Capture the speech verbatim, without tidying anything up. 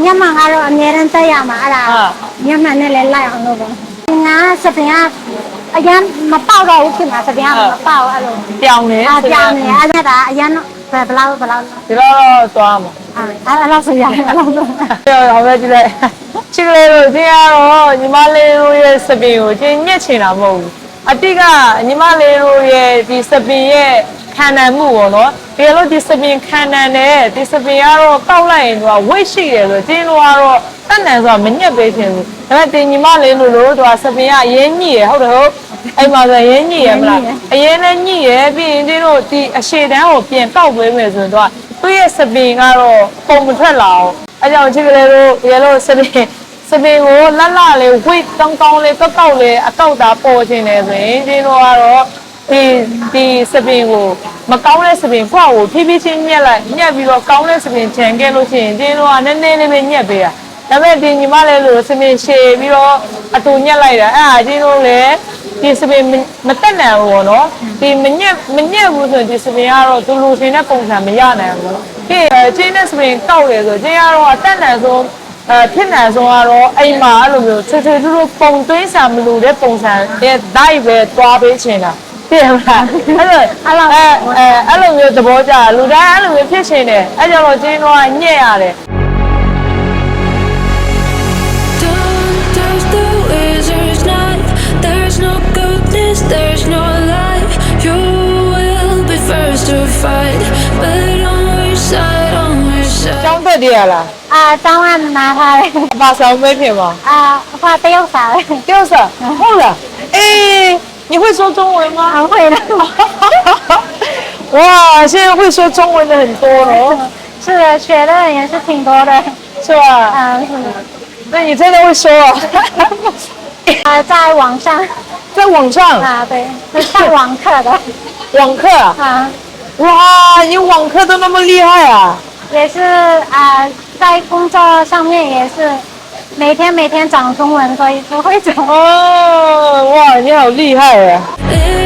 ညမှန်ကတော့အများရန်တက်ရမှာအဲ့ဒါညမှန်နဲ့လည်းလိုက်အောင်လုပ်တော့ငါစပင်ကအရင်မပေါက်တော့ဘူးဖြစ်မှာစပင်ကမပေါက်အဲ့လိုပြောင်းနေအပြောင်းနေအဲ့ဒါအရင်ဘယ်လောက်ဘယ်လောက်ဒီတော့သွားမှာအဲ့အဲ့လောက်ဆိုရအဲ့လောက်ဆိုဟောပဲကြည့်လိုက်ချစ်ကလေးတို့ဒီကတော့ညီမလေးတို့ရဲ့စပင်ကိုကျင်းညက်ချင်တာမဟုတ်ဘူးအတိကညီမလေးတို့ရဲ့ဒီစပင်ရဲ့ခံနိုင်မှုပေါ့နော်ဒီလိုဒီစပင်ခံနိုင်တယ်ဒီစပင်ကတော့ကောက်လိုက်ရင်သူကဝိတ်ရှိတယ်ဆိုကျင်းတို့ကတော့တတ်နိုင်ဆိုတာမညက်ပေးချင်ဘူးဒါပေမဲ့တင်ညီမလေးတို့လို့သူကစပင်ကအရင်ညိရဟုတ်တယ်ဟုတ်အဲ့မှာဆိုရင်ညိရမလားအရင်လည်းညိရပြီးရင်ကျင်းတို့ဒီအရှေ့တန်းကိုပြန်ကောက်ပေးမယ်ဆိုရင်သူကသူ့ရဲ့စပင်ကတော့ပုံမထွက်လာအောင်အဲကြောင့်ချစ်ကလေးတို့ရေလို့စပင်စပင်ကိုလှလှလေးဝိတ်ကောင်းကောင်းလေးကောက်ကောက်လေးအကောက်သားပေါ်ခြင်းတယ်ဆိုရင်ကျင်းတို့ကတော့ဒီဒီစပင်ကိုမကောင်းတဲ့စပင်ခွာကိုဖြည်းဖြည်းချင်းညက်လိုက်ညက်ပြီးတော့ကောင်းတဲ့စပင်ခြံခဲ့လို့ရှိရင်ကျင်းတို့ကနည်းနည်းလေးပဲညက်ပေးတာဒါပေမဲ့ဒီညီမလေးလို့စပင်ရှည်ပြီးတော့အတူညက်လိုက်တာအဲ့ဒါကျင်းတို့လည်းဒီစပင်မတက်နိုင်ဘူးပေါ့နော်ဒီမညက်မညက်ဘူးဆိုရင်ဒီစပင်ကတော့သူလူရှင်တဲ့ပုံစံမရနိုင်ဘူးပြီးကျင်းတဲ့စပင်ကောက်တယ်ဆိုကျင်းကတော့အတက်နိုင်ဆုံးအဲဖြစ်နိုင်ဆုံးကတော့အိမ်မှာအဲ့လိုမျိုးထွေထွေထူးထူးပုံသွင်းစာမလို့တဲ့ပုံစံရဲ့ဒိုက်ပဲတွားပေးချင်တာသိရမလားအဲ့လိုအဲ့လိုအဲအဲ့လိုမျိုးသဘောကျလူတိုင်းအဲ့လိုမျိုးဖြစ်ချင်တယ်အဲ့ကြောင့်တော့ကျင်းတော့ညက်ရတယ် There's no life, you will be first to fight, but on which side, on which side? ကျောင်းတက်တည်းရလားအာတောင်းရနာထားတယ်အပါဆောင်မဲဖြစ်ပါအာအဖတယောက်စားတယ်ကျောင်းစားဟုတ်လားအေး你会说中文吗啊会了哇现在会说中文的很多了是的学的人也是挺多的是吧啊是那你真的会说啊啊在网上在网上啊对是上网课的网课啊啊哇你网课都那么厉害啊也是啊在工作上面也是每天每天讲中文所以都会讲哦哇你好厉害啊